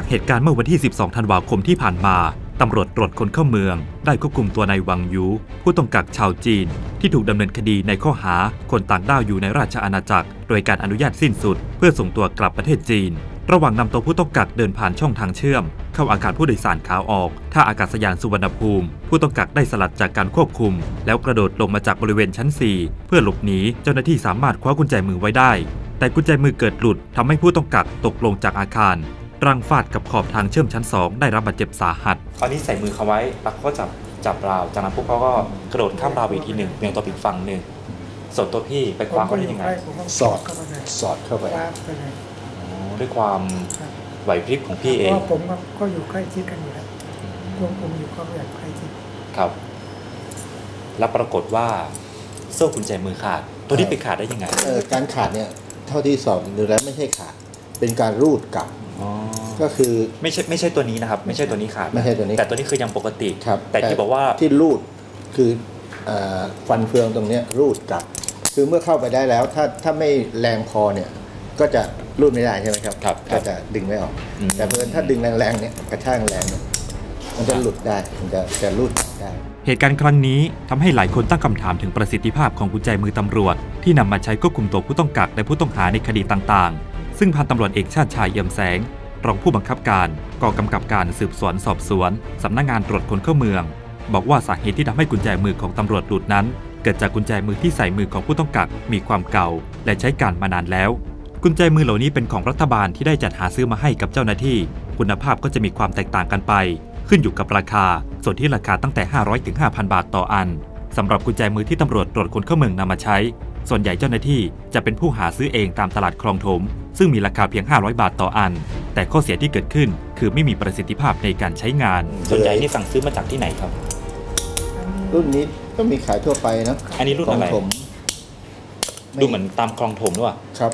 เหตุการณ์เมื่อวันที่ 12 ธันวาคมที่ผ่านมาตำรวจตรวจคนเข้าเมืองได้ควบคุมตัวนายหวังยูผู้ต้องกักชาวจีนที่ถูกดำเนินคดีในข้อหาคนต่างด้าวอยู่ในราชอาณาจักรโดยการอนุญาตสิ้นสุดเพื่อส่งตัวกลับประเทศจีนระหว่างนำตัวผู้ต้องกักเดินผ่านช่องทางเชื่อมเข้าอาคารผู้โดยสารขาออกท่าอากาศยานสุวรรณภูมิผู้ต้องกักได้สลัดจากการควบคุมแล้วกระโดดลงมาจากบริเวณชั้น 4เพื่อหลบหนีเจ้าหน้าที่สามารถคว้ากุญแจมือไว้ได้แต่กุญแจมือเกิดหลุดทำให้ผู้ต้องกักตกลงจากอาคารรังฟาดกับขอบทางเชื่อมชั้น 2ได้รับบาดเจ็บสาหัสตอนนี้ใส่มือเขาไว้แล้วก็จับราวจากนั้นพวกเขาก็กระโดดข้ามราวอีกทีหนึ่งเบี่ยงตัวอีกฝั่งหนึ่งส่วนตัวพี่ไปคว้าเขาได้ยังไงสอดเข้าไปด้วยความไหวพริบของพี่เองผมก็อยู่ใกล้ชิดกันอยู่แล้วผมอยู่ก็แบบใกล้ชิดครับแล้วปรากฏว่าโซ่กุญแจมือขาดตัวนี้ไปขาดได้ยังไงการขาดเนี่ยเท่าที่สอบดูแล้วไม่ใช่ขาดเป็นการรูดกลับก็คือไม่ใช่ตัวนี้นะครับไม่ใช่ตัวนี้ขาดไม่ใช่ตัวนี้แต่ตัวนี้คือยังปกติครับแต่ที่บอกว่าที่รูดคือฟันเฟืองตรงนี้รูดกลับคือเมื่อเข้าไปได้แล้วถ้าไม่แรงพอเนี่ยก็จะรูดไม่ได้ใช่ไหมครับก็จะดึงไม่ออกแต่เมื่อถ้าดึงแรงๆเนี่ยกระชากแรงเนี่ยมันจะหลุดได้มันจะรูดได้เหตุการณ์ครั้งนี้ทำให้หลายคนตั้งคำถามถึงประสิทธิภาพของกุญแจมือตำรวจที่นำมาใช้ควบคุมตัวผู้ต้องกักและผู้ต้องหาในคดีต่างๆซึ่งพันตำรวจเอกชาติชายเอี่ยมแสงรองผู้บังคับการกองกำกับการสืบสวนสอบสวนสำนักงานตรวจคนเข้าเมืองบอกว่าสาเหตุที่ทำให้กุญแจมือของตำรวจหลุดนั้นเกิดจากกุญแจมือที่ใส่มือของผู้ต้องกักมีความเก่าและใช้การมานานแล้วกุญแจมือเหล่านี้เป็นของรัฐบาลที่ได้จัดหาซื้อมาให้กับเจ้าหน้าที่คุณภาพก็จะมีความแตกต่างกันไปขึ้นอยู่กับราคาส่วนที่ราคาตั้งแต่ 500 ถึง 5,000 บาทต่ออันสำหรับกุญแจมือที่ตำรวจตรวจคนเข้าเมืองนำมาใช้ส่วนใหญ่เจ้าหน้าที่จะเป็นผู้หาซื้อเองตามตลาดคลองถมซึ่งมีราคาเพียง500 บาทต่ออันแต่ข้อเสียที่เกิดขึ้นคือไม่มีประสิทธิภาพในการใช้งานส่วนใหญ่นี่สั่งซื้อมาจากที่ไหนครับรุ่นนี้ก็มีขายทั่วไปนะอันนี้รุ่นอะไรดูเหมือนตามคลองถมด้วยครับ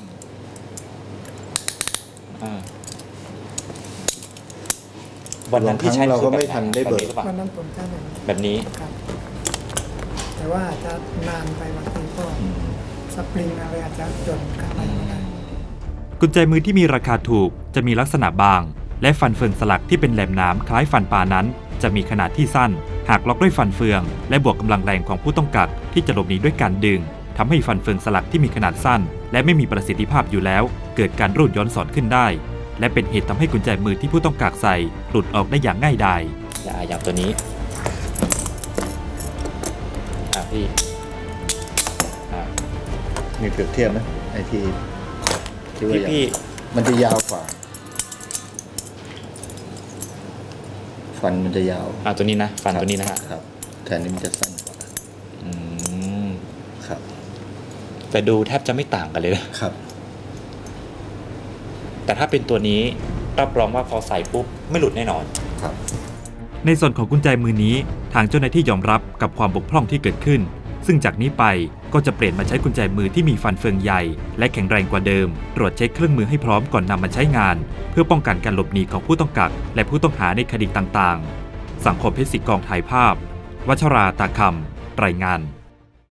วันนั้นที่ใช้เราก็ไม่ทันได้เบิกวันนั้นผมใช้แบบนี้แต่ว่าจะนานไปบางทีก็สปริงอะไรอาจจะจนกันไปไม่ได้กุญแจมือที่มีราคาถูกจะมีลักษณะบางและฟันเฟืองสลักที่เป็นแหลมหนามคล้ายฟันปลานั้นจะมีขนาดที่สั้นหากล็อกด้วยฟันเฟืองและบวกกำลังแรงของผู้ต้องกักที่จะหลบหนีด้วยการดึงทำให้ฟันเฟืองสลักที่มีขนาดสั้นและไม่มีประสิทธิภาพอยู่แล้วเกิดการรูดย้อนสอนขึ้นได้และเป็นเหตุทำให้กุญแจมือที่ผู้ต้องกักใส่หลุดออกได้อย่างง่ายดายอย่างตัวนี้พี่มีเปรียบเทียบไหมไอทีพี่มันจะยาวกว่าฟันมันจะยาวตัวนี้นะฟันตัวนี้นะฮะครับแต่นี้มันจะสั้นกว่าครับแต่ดูแทบจะไม่ต่างกันเลยนะครับแต่ถ้าเป็นตัวนี้รับรองว่าพอใส่ปุ๊บไม่หลุดแน่นอนครับในส่วนของกุญแจมือนี้ทางเจ้าหน้าที่ยอมรับกับความบกพร่องที่เกิดขึ้นซึ่งจากนี้ไปก็จะเปลี่ยนมาใช้กุญแจมือที่มีฟันเฟืองใหญ่และแข็งแรงกว่าเดิมตรวจเช็คเครื่องมือให้พร้อมก่อนนำมาใช้งานเพื่อป้องกันการหลบหนีของผู้ต้องกักและผู้ต้องหาในคดีต่างๆสังคมเพชรศิกองถ่ายภาพวัชราตาคำรายงาน